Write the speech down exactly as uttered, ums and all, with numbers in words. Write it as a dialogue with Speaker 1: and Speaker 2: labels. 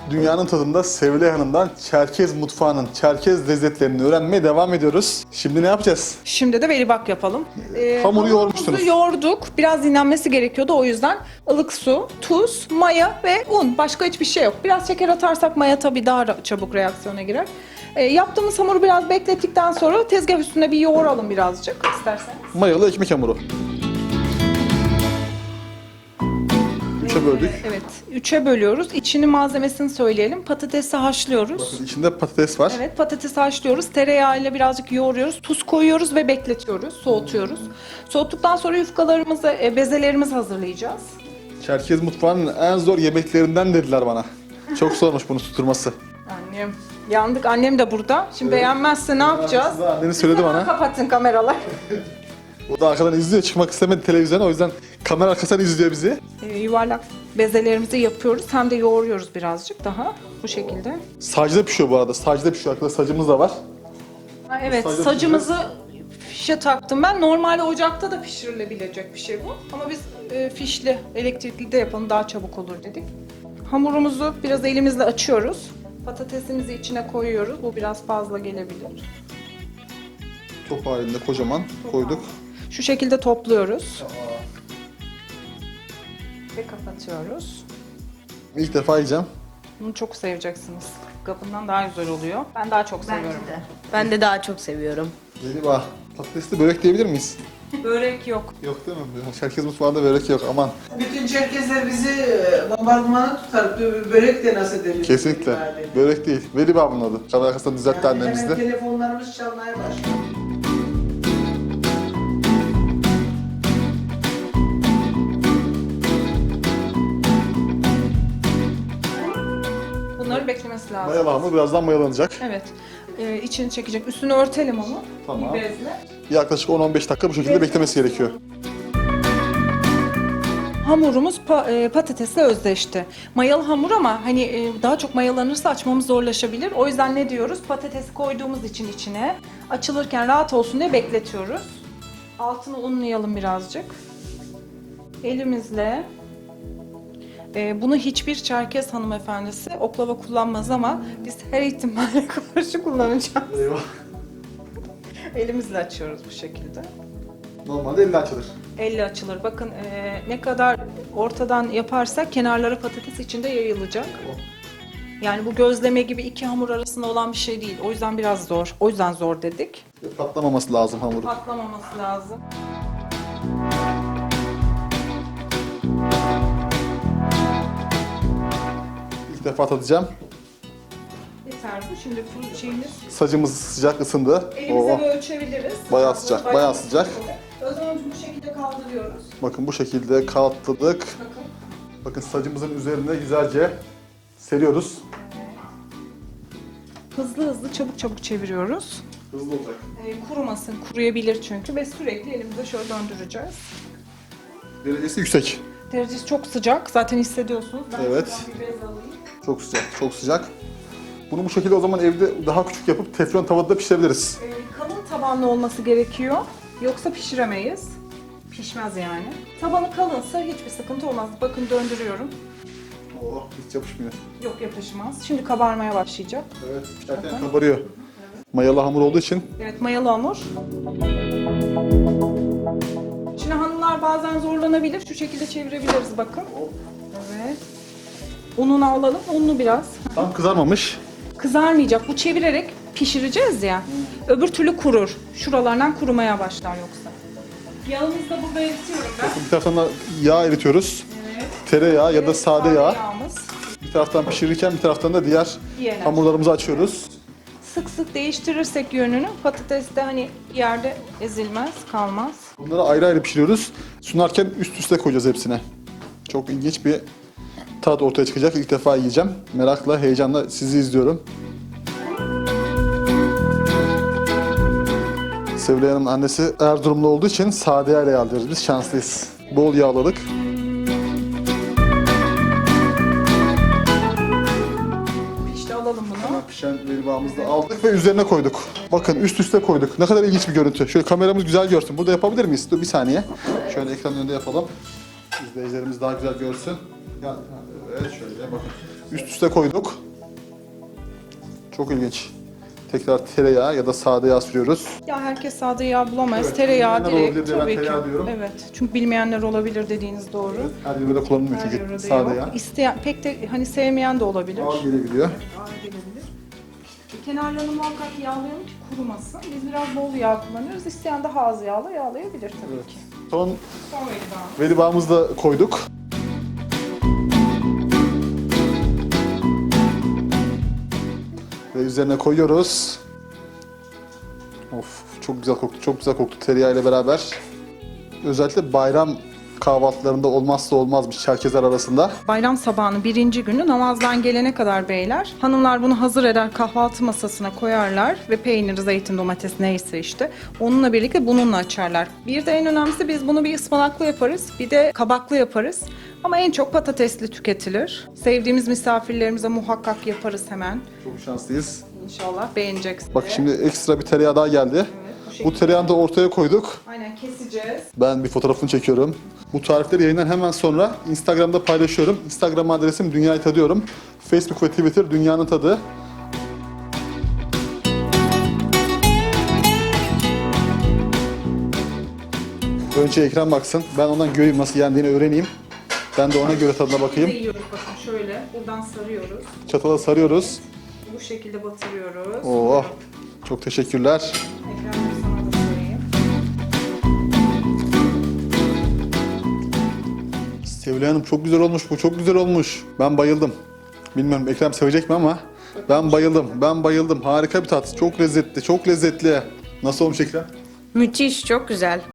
Speaker 1: Dünyanın tadında Sevilay Hanım'dan Çerkez mutfağının Çerkez lezzetlerini öğrenmeye devam ediyoruz. Şimdi ne yapacağız?
Speaker 2: Şimdi de velibak yapalım. Ee,
Speaker 1: Hamuru
Speaker 2: hamurumuzu
Speaker 1: yoğurmuştunuz.
Speaker 2: yoğurduk. Biraz dinlenmesi gerekiyordu. O yüzden ılık su, tuz, maya ve un. Başka hiçbir şey yok. Biraz şeker atarsak maya tabii daha ra- çabuk reaksiyona girer. Ee, yaptığımız hamuru biraz beklettikten sonra tezgah üstüne bir yoğuralım birazcık isterseniz.
Speaker 1: Mayalı ekmek hamuru. Üçe böldük.
Speaker 2: Evet, üçe bölüyoruz. İçini malzemesini söyleyelim. Patatesi haşlıyoruz.
Speaker 1: Bakın içinde patates var.
Speaker 2: Evet, patatesi haşlıyoruz. Tereyağıyla birazcık yoğuruyoruz. Tuz koyuyoruz ve bekletiyoruz, soğutuyoruz. Soğuttuktan sonra yufkalarımızı, e, bezelerimizi hazırlayacağız.
Speaker 1: Çerkez mutfağının en zor yemeklerinden dediler bana. Çok zormuş bunu tutturması.
Speaker 2: Annem, yandık. Annem de burada. Şimdi beğenmezse ne yapacağız?
Speaker 1: Aslında anneniz söyledi
Speaker 2: Hemen
Speaker 1: bana.
Speaker 2: kapatın kameralar.
Speaker 1: O da arkadan izliyor. Çıkmak istemedi televizyona. O yüzden kamera arkasından izliyor bizi.
Speaker 2: E, yuvarlak bezelerimizi yapıyoruz. Hem de yoğuruyoruz birazcık daha. Bu şekilde.
Speaker 1: Sacda pişiyor bu arada. Sacda pişiyor. Arkada sacımız da var.
Speaker 2: Ha, evet,
Speaker 1: Sadece
Speaker 2: sacımızı fişe taktım ben. Normalde ocakta da pişirilebilecek bir şey bu. Ama biz e, fişli, elektrikli de yapalım, daha çabuk olur dedik. Hamurumuzu biraz elimizle açıyoruz. Patatesimizi içine koyuyoruz. Bu biraz fazla gelebilir.
Speaker 1: Top halinde kocaman koyduk.
Speaker 2: Şu şekilde topluyoruz. Ve kapatıyoruz.
Speaker 1: İlk defa yiyeceğim.
Speaker 2: Bunu çok seveceksiniz. Kabından daha güzel oluyor. Ben daha çok seviyorum.
Speaker 3: de. Ben de daha çok seviyorum.
Speaker 1: Galiba patatesli börek diyebilir miyiz?
Speaker 2: Börek yok.
Speaker 1: Yok değil mi? Çerkez mutfağında börek yok. Aman.
Speaker 4: Bütün Çerkezler bizi e, bombardımana tutar. Bö- Börek de nasıl deniyor?
Speaker 1: Kesinlikle. Börek değil. Veli babamın adı. Kamera arkasından düzeltti
Speaker 4: Yani
Speaker 1: annemiz
Speaker 4: hemen
Speaker 1: de.
Speaker 4: telefonlarımız çalmaya başlıyor.
Speaker 2: Bunları beklemesi lazım.
Speaker 1: Mayalı hamur birazdan mayalanacak.
Speaker 2: Evet. Ee, içini çekecek. Üstünü örtelim onu.
Speaker 1: Tamam.
Speaker 2: Bir bezle.
Speaker 1: Yaklaşık on on beş dakika bu şekilde beklemesi gerekiyor.
Speaker 2: Hamurumuz pa- e, patatesle özdeşti. Mayalı hamur ama hani e, daha çok mayalanırsa açmamız zorlaşabilir. O yüzden ne diyoruz? Patatesi koyduğumuz için içine açılırken rahat olsun diye bekletiyoruz. Altını unlayalım birazcık. Elimizle e, bunu hiçbir Çerkez hanımefendisi oklava kullanmaz ama biz her ihtimalle karşı kullanacağız.
Speaker 1: Eyvah.
Speaker 2: Elimizle açıyoruz bu şekilde.
Speaker 1: Normalde elle açılır.
Speaker 2: Elle açılır. Bakın e, ne kadar ortadan yaparsak kenarları patates içinde yayılacak. Yani bu gözleme gibi iki hamur arasında olan bir şey değil. O yüzden biraz zor. O yüzden zor dedik.
Speaker 1: Patlamaması lazım hamuru.
Speaker 2: Patlamaması lazım.
Speaker 1: İlk defa tadacağım.
Speaker 2: Yeter bu. Şimdi bu şeyimiz.
Speaker 1: Sacımız sıcak ısındı.
Speaker 2: Elimize
Speaker 1: Oo.
Speaker 2: böyle ölçebiliriz.
Speaker 1: Bayağı sıcak, bayağı sıcak.
Speaker 2: Özlemci bu şekilde kaldırıyoruz.
Speaker 1: Bakın bu şekilde katladık.
Speaker 2: Bakın.
Speaker 1: Bakın sacımızın üzerine güzelce seriyoruz.
Speaker 2: Hızlı hızlı çabuk çabuk çeviriyoruz.
Speaker 1: Hızlı olacak.
Speaker 2: E, kurumasın. Kuruyabilir çünkü ve sürekli elimizde şöyle döndüreceğiz.
Speaker 1: Derecesi yüksek.
Speaker 2: Derecesi çok sıcak. Zaten hissediyorsunuz. Ben
Speaker 1: Evet.
Speaker 2: şuradan bir bez alayım.
Speaker 1: Çok sıcak, çok sıcak. Bunu bu şekilde o zaman evde daha küçük yapıp teflon tavada pişirebiliriz.
Speaker 2: Ee, kalın tabanlı olması gerekiyor. Yoksa pişiremeyiz. Pişmez yani. Tabanı kalınsa hiçbir sıkıntı olmaz. Bakın döndürüyorum.
Speaker 1: Oh, hiç yapışmıyor.
Speaker 2: Yok, yapışmaz. Şimdi kabarmaya başlayacak.
Speaker 1: Evet, pişerken kabarıyor. Mayalı hamur olduğu için
Speaker 2: Evet, mayalı hamur. Şimdi hanımlar bazen zorlanabilir. Şu şekilde çevirebiliriz bakın. Evet. Ununu alalım. Unlu biraz.
Speaker 1: tam kızarmamış.
Speaker 2: Kızarmayacak. Bu çevirerek pişireceğiz ya. Öbür türlü kurur. Şuralardan kurumaya başlar yoksa. Yağımızı da burada eritiyorum ben.
Speaker 1: Bir taraftan da yağ eritiyoruz.
Speaker 2: Evet.
Speaker 1: Tereyağı ya da
Speaker 2: Evet,
Speaker 1: sade yağ.
Speaker 2: yağımız.
Speaker 1: Bir taraftan pişirirken bir taraftan da diğer
Speaker 2: Diğer
Speaker 1: hamurlarımızı açıyoruz.
Speaker 2: Sık sık değiştirirsek yönünü patates de hani yerde ezilmez, kalmaz.
Speaker 1: Bunları ayrı ayrı pişiriyoruz. Sunarken üst üste koyacağız hepsine. Çok ilginç bir tat ortaya çıkacak. İlk defa yiyeceğim. Merakla, heyecanla sizi izliyorum. Sevilay Hanım'ın annesi Erzurumlu olduğu için sade yağla yağlıyoruz. Biz şanslıyız. Bol yağladık.
Speaker 2: İşte alalım bunu.
Speaker 1: Hemen pişen velibağımızı da aldık ve üzerine koyduk. Bakın üst üste koyduk. Ne kadar ilginç bir görüntü. Şöyle kameramız güzel görsün. Burada yapabilir miyiz? Dur bir saniye. Şöyle ekranın önünde yapalım. İzleyicilerimiz daha güzel görsün. Ya, evet şöyle bakın. üst üste koyduk. Çok ilginç. Tekrar tereyağı ya da sade yağ sürüyoruz.
Speaker 2: Ya herkes sade yağ bulamayız.
Speaker 1: Evet,
Speaker 2: Tereyağı
Speaker 1: bilmeyenler olabilir
Speaker 2: direkt
Speaker 1: diye ben
Speaker 2: tabii ki.
Speaker 1: tereyağı diyorum.
Speaker 2: Evet. Çünkü bilmeyenler olabilir dediğiniz doğru.
Speaker 1: Her yerde kullanılmıyor
Speaker 2: Her
Speaker 1: çünkü
Speaker 2: yörede
Speaker 1: sade
Speaker 2: yok.
Speaker 1: yağ.
Speaker 2: İsteyen, pek de hani sevmeyen de olabilir.
Speaker 1: Ağır gelebiliyor.
Speaker 2: Ağır gelebilir. E, Kenarlarını muhakkak yağlayalım ki kurumasın. Biz biraz bol yağ kullanıyoruz. İsteyen daha az yağla yağlayabilir tabii
Speaker 1: Evet.
Speaker 2: ki.
Speaker 1: Son
Speaker 2: Son velibağımız.
Speaker 1: velibağımızı da koyduk. Ve üzerine koyuyoruz. Of, çok güzel koktu, çok güzel koktu tereyağı ile beraber. Özellikle bayram kahvaltılarında olmazsa olmazmış Çerkezler arasında.
Speaker 2: Bayram sabahının birinci günü namazdan gelene kadar beyler, hanımlar bunu hazır eder kahvaltı masasına koyarlar ve peynir, zeytin, domates neyse işte onunla birlikte bununla açarlar. Bir de en önemlisi biz bunu bir ıspanaklı yaparız, bir de kabaklı yaparız. Ama en çok patatesli tüketilir. Sevdiğimiz misafirlerimize muhakkak yaparız hemen.
Speaker 1: Çok şanslıyız.
Speaker 2: İnşallah beğeneceksiniz.
Speaker 1: Bak şimdi ekstra bir tereyağı daha geldi. Bu tereyağını da ortaya koyduk.
Speaker 2: Aynen keseceğiz.
Speaker 1: Ben bir fotoğrafını çekiyorum. Bu tarifleri yayından hemen sonra Instagram'da paylaşıyorum. Instagram adresim Dünyayı Tadıyorum. Facebook ve Twitter Dünyanın Tadı. Önce ekran baksın. Ben ondan göreyim nasıl yendiğini öğreneyim. Ben de ona göre tadına
Speaker 2: Biz de
Speaker 1: bakayım.
Speaker 2: yiyoruz bakın şöyle. Buradan sarıyoruz.
Speaker 1: Çatala sarıyoruz.
Speaker 2: Bu şekilde batırıyoruz.
Speaker 1: Oo, çok teşekkürler.
Speaker 2: Ekrem'cim sana da sorayım.
Speaker 1: Sevilay Hanım çok güzel olmuş bu, çok güzel olmuş. Ben bayıldım. Bilmiyorum Ekrem sevecek mi ama ben bayıldım, ben bayıldım. Harika bir tat, çok lezzetli, çok lezzetli. Nasıl olmuş Ekrem?
Speaker 3: Müthiş, çok güzel.